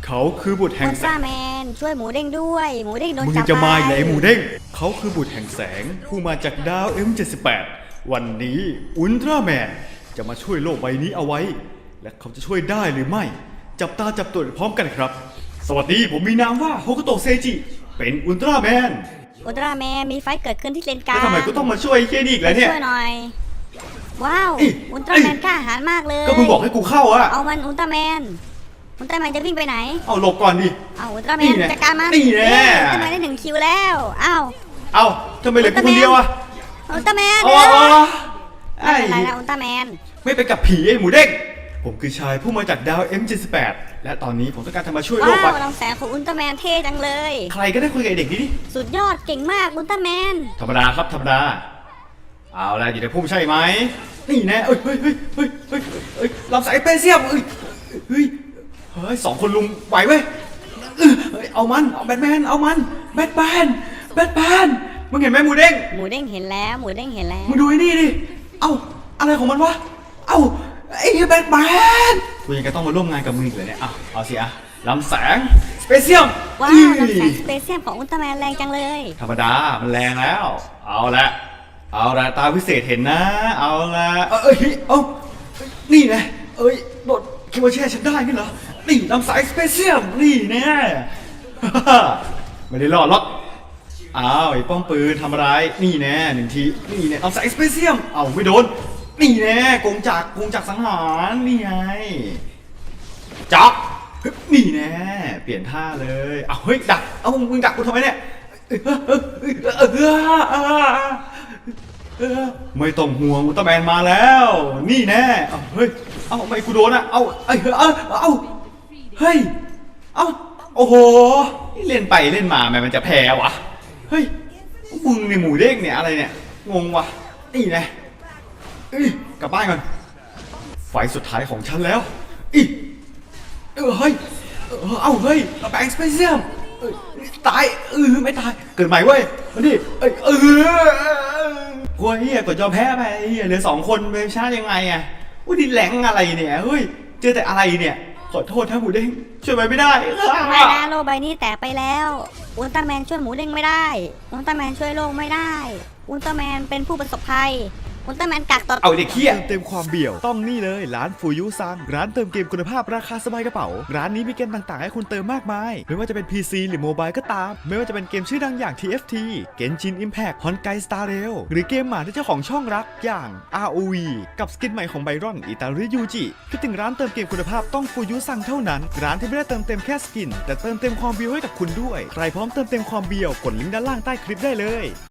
เขาคือบุตรแห่อุงลแสตร้าง แมนช่วยหมูเด้งด้วยหมูเด้งโดนมึงจับจะมาไปไหนหมูเด้งเขาคือบุตรแห่งแสงผู้มาจากดาว M78 วันนี้อุลตร้าแมนจะมาช่วยโลกใบนี้เอาไว้ และเขาจะช่วยได้หรือไม่ จับตาจับตัวพร้อมกันครับ สวัสดีผมมีนามว่าโฮโกโตะเซจิเป็นอุลตร้าแมนอุลตร้าแมนมีไฟเกิดขึ้นที่เลนกลาแล้วงทำไมกูต้องมาช่วยไอ้เหี้ยนี่อีกแล้วเนี่ยช่วยหน่อยว้าวเอ้ยอุลตร้าแมนกล้าหาญมากเลยก็มึงบอกให้กูเข้าอะเอามันอุลตร้าแมนจะวิ่งไปไหนเอาหลบก่อนดิเอาอุลตร้าแมนี่นแน่จัดการมันนี่แน่อุลตร้าแมนได้1 คิวแล้วอ้าวเอาทำไมเหลือกูคนเดียวอะอุลตร้าแมนอ๋อไม่ไอ้เป็นไรนะอุลตร้าแมนไม่ไปกับผีไอ้หมูเด้งผมคือชายผู้มาจากดาว M78 และตอนนี้ผมต้องการจะมาช่วยโลว้ากไปวลำแสงของอุลตร้าแมนเท่จังเลยใครก็ได้คุยกับไอ้เด็กนี้ดิสุดยอดเก่งมากอุลตร้าแมนธรรมดาครับธรรมดา เอาละอยู่ในพุ่มใช่ไหมนี่แน่เอ้ยลำสายเปเซียมเฮ้ยสองคนลุงไหวเว้ยเฮ้ยเอาแบทแมนเอามันแบทแมนมึงเห็นไหมหมูเด้งหมูเด้งเห็นแล้วหมูเด้งเห็นแล้วมึงดูไอ้นี่ดิเอ้าอะไรของมันวะเอ้าไอ้แบทแมนกูยังจะต้องมาร่วมงานกับมึงอีกเลยเนี่ยเอาสิอะลำแสงสเปเซียมว้าวลำแสงสเปเซียมของอุลตร้าแมนแรงจังเลยธรรมดามันแรงแล้ว เอาละตาพิเศษเห็นนะ เอาละนี่นะโดดคิดว่าแช่ฉันได้งั้นเหรอ นี่ลำสายสเปเชียลนี่แน่ ไม่ได้รอดหรอกอ้าวไอ้ป้อมปืนทำอะไร นี่แน่1 ทีนี่แน่ลำสายสเปเชียลเอาไม่โดน นี่แน่กงจักรสังหารนี่ไงจับนี่แน่เปลี่ยนท่าเลยเอาเฮ้ยดักเอามึงดักกูทำไมเนี่ยไม่ต้องห่วงอุลตร้าแมนมาแล้ว นี่แน่เฮ้ยไม่กูโดนอ่ะเฮ้ยโอ้โหเล่นไปเล่นมามันจะแพ้วะเฮ้ยมึงเนี่ยหมูเด้งเนี่ยอะไรเนี่ยงงวะนี่แน่กลับบ้านก่อนไฟสุดท้ายของฉันแล้วเฮ้ยแบงค์สเปเชียลตายไม่ตายเกิดใหม่เว้ยมาดิกลัวเฮียกดยอมแพ้ไปเฮียเหลือ2 คนไปชนะยังไงอ่ะดิแหลงอะไรเนี่ยเฮ้ยเจอแต่อะไรเนี่ยขอโทษนะหมูเด้งช่วยไปไม่ได้ไม่นะโลกใบนี้แตกไปแล้วอุลตร้าแมนช่วยหมูเด้งไม่ได้อุลตร้าแมนช่วยโลกไม่ได้อุลตร้าแมนเป็นผู้ประสบภัยอุลตร้าแมนกักตัวเอาเด็กเฮียเติมความเบี่ยวต้องนี่เลยร้านฟูยุซังร้านเติมเกมคุณภาพราคาสบายกระเป๋าร้านนี้มีเกมต่างๆให้คุณเติมมากมายไม่ว่าจะเป็น PC หรือโมบายก็ตามไม่ว่าจะเป็นเกมชื่อดังอย่าง TFT Genshin Impact Honkai Star Rail หรือเกมหมาที่เจ้าของช่องรักอย่าง ROV กับสกินใหม่ของไบรอนอิตาลียูจิคิดถึงร้านเติมเกมคุณภาพต้องฟูยุซังเท่านั้นร้านที่ไม่ได้เติมเต็มแค่สกินแต่เติมเต็มความเบียวให้กับคุณด้วยใครพร้อมเติมเต็มความเบียวกดลิงก์ด้านล่างใต้คลิปได้เลย